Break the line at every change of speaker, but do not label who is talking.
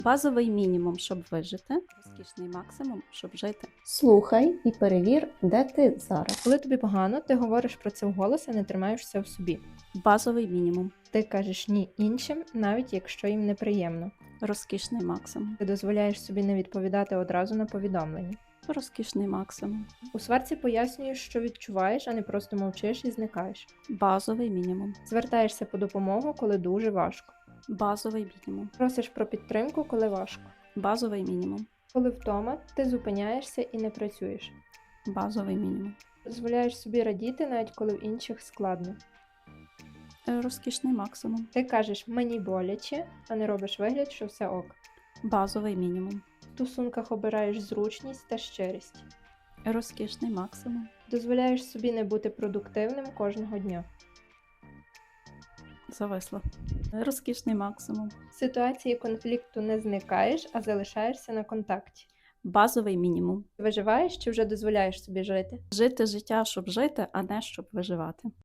Базовий мінімум, щоб вижити, розкішний максимум, щоб жити.
Слухай і перевір, де ти зараз.
Коли тобі погано, ти говориш про це вголос, а не тримаєшся в собі.
Базовий мінімум,
Ти кажеш ні іншим, навіть якщо їм неприємно.
розкішний максимум,
Ти дозволяєш собі не відповідати одразу на повідомлення.
розкішний максимум,
У сварці пояснюєш, що відчуваєш, а не просто мовчиш і зникаєш.
базовий мінімум,
Звертаєшся по допомогу, коли дуже важко.
базовий мінімум,
Просиш про підтримку, коли важко.
базовий мінімум,
Коли втома, ти зупиняєшся і не працюєш.
базовий мінімум,
Дозволяєш собі радіти, навіть коли в інших складно.
розкішний максимум,
Ти кажеш «мені боляче», а не робиш вигляд, що все ок.
базовий мінімум,
В стосунках обираєш зручність та щирість.
розкішний максимум,
Дозволяєш собі не бути продуктивним кожного дня.
зависло, розкішний максимум,
В ситуації конфлікту не зникаєш, а залишаєшся на контакті.
базовий мінімум.
Виживаєш чи вже дозволяєш собі жити?
Жити життя, щоб жити, а не щоб виживати.